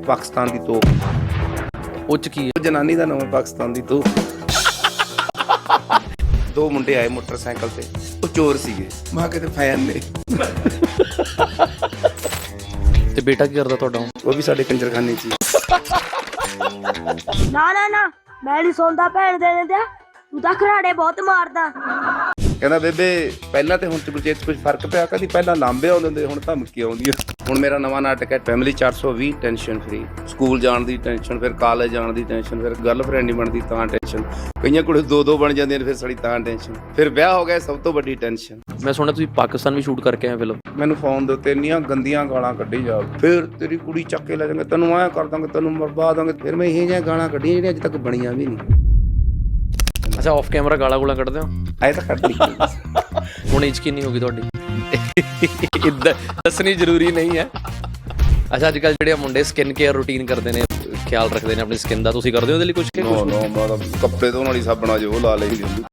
ਪਾਕਿਸਤਾਨ ਦੀ ਤੋਪ। ਉਹ 'ਚ ਕੀ ਹੈ? ਜਨਾਨੀ ਦਾ ਨਾਮ ਹੈ ਪਾਕਿਸਤਾਨ ਦੀ ਤੋਪ। ਦੋ ਮੁੰਡੇ ਆਏ ਮੋਟਰਸਾਈਕਲ ਤੇ, ਉਹ ਚੋਰ ਸੀਗੇ। ਮੈਂ ਕਿਤੇ ਫੈਨ ਨੇ। ਤੇ ਬੇਟਾ ਕੀ ਕਰਦਾ ਤੁਹਾਡਾ? ਉਹ ਵੀ ਸਾਡੇ ਕੰਜਰਖਾਨੇ 'ਚ ਹੀ। ਨਾ ਮੈਂ ਨਹੀਂ ਸੌਂਦਾ ਭੈਣ ਦੇ ਨੇ ਤੇ ਤੂੰ ਤਾਂ ਖਰਾੜੇ ਬਹੁਤ ਮਾਰਦਾ। ਕਹਿੰਦਾ ਬੇਬੇ ਪਹਿਲਾਂ ਤੇ ਹੁਣ ਚ ਕੁਝ ਫਰਕ ਪਿਆ। ਕਦੀ ਪਹਿਲਾਂ ਲਾਂਬੇ ਆਉਂਦੇ ਹੁੰਦੇ, ਹੁਣ ਧਮਕੀ ਆਉਂਦੀ ਆ। ਹੁਣ ਮੇਰਾ ਨਵਾਂ ਨਾਟਕ ਹੈ ਫੈਮਿਲੀ 420 ਟੈਨਸ਼ਨ ਫਰੀ। ਸਕੂਲ ਜਾਣ ਦੀ ਟੈਨਸ਼ਨ, ਫਿਰ ਕਾਲਜ ਜਾਣ ਦੀ ਟੈਨਸ਼ਨ, ਫਿਰ ਗਰਲਫ੍ਰੈਂਡ ਨਹੀਂ ਬਣਦੀ ਤਾਂ ਟੈਨਸ਼ਨ, ਕਈਆਂ ਕੁੜੀ ਦੋ ਬਣ ਜਾਂਦੀਆਂ ਨੇ ਫਿਰ ਸਾਡੀ ਤਾਂ ਟੈਨਸ਼ਨ, ਫਿਰ ਵਿਆਹ ਹੋ ਗਿਆ ਸਭ ਤੋਂ ਵੱਡੀ ਟੈਨਸ਼ਨ। ਮੈਂ ਸੁਣਿਆ ਤੁਸੀਂ ਪਾਕਿਸਤਾਨ ਵੀ ਸ਼ੂਟ ਕਰਕੇ ਆਏ ਫਿਲਮ। ਮੈਨੂੰ ਫੋਨ ਦੇ ਉੱਤੇ ਇੰਨੀਆਂ ਗੰਦੀਆਂ ਗਾਲਾਂ ਕੱਢੀ ਜਾ, ਫਿਰ ਤੇਰੀ ਕੁੜੀ ਚੱਕ ਕੇ ਲੈ ਜਾਵਾਂਗੇ, ਤੈਨੂੰ ਐਂ ਕਰ ਦਾਂਗੇ, ਤੈਨੂੰ ਮਰਵਾ ਦਾਂਗੇ। ਫਿਰ ਮੈਂ ਇਹ ਜਿਹੀਆਂ ਗਾਲਾਂ ਕੱਢੀਆਂ ਜਿਹੜੀਆਂ ਅੱਜ ਤੱਕ ਬਣੀਆਂ ਵੀ ਨਹੀਂ। ਅੱਛਾ, ਆਫ ਕੈਮਰਾ ਗਾਲਾਂ ਗੂਲਾਂ ਕੱਢਦੇ ਹੋ? ਐ ਤਾਂ ਕੱਢ ਲਈ। ਹੁਣ ਏਜ ਕਿੰਨੀ ਹੋ ਗਈ ਤੁਹਾਡੀ? ਇੱਦਾਂ ਦੱਸਣੀ ਜ਼ਰੂਰੀ ਨਹੀਂ ਹੈ। ਅੱਛਾ, ਅੱਜ ਕੱਲ੍ਹ ਜਿਹੜੇ ਮੁੰਡੇ ਸਕਿਨ ਕੇਅਰ ਰੂਟੀਨ ਕਰਦੇ ਨੇ, ਖਿਆਲ ਰੱਖਦੇ ਨੇ ਆਪਣੀ ਸਕਿਨ ਦਾ, ਤੁਸੀਂ ਕਰਦੇ ਹੋ ਉਹਦੇ ਲਈ ਕੁਝ? ਨੋ ਮੈਂ ਤਾਂ ਕੱਪੜੇ ਧੋਣ ਵਾਲੀ ਸਾਬਣ ਆ ਜੋ ਲਾ ਲਈ ਹੁੰਦੀ।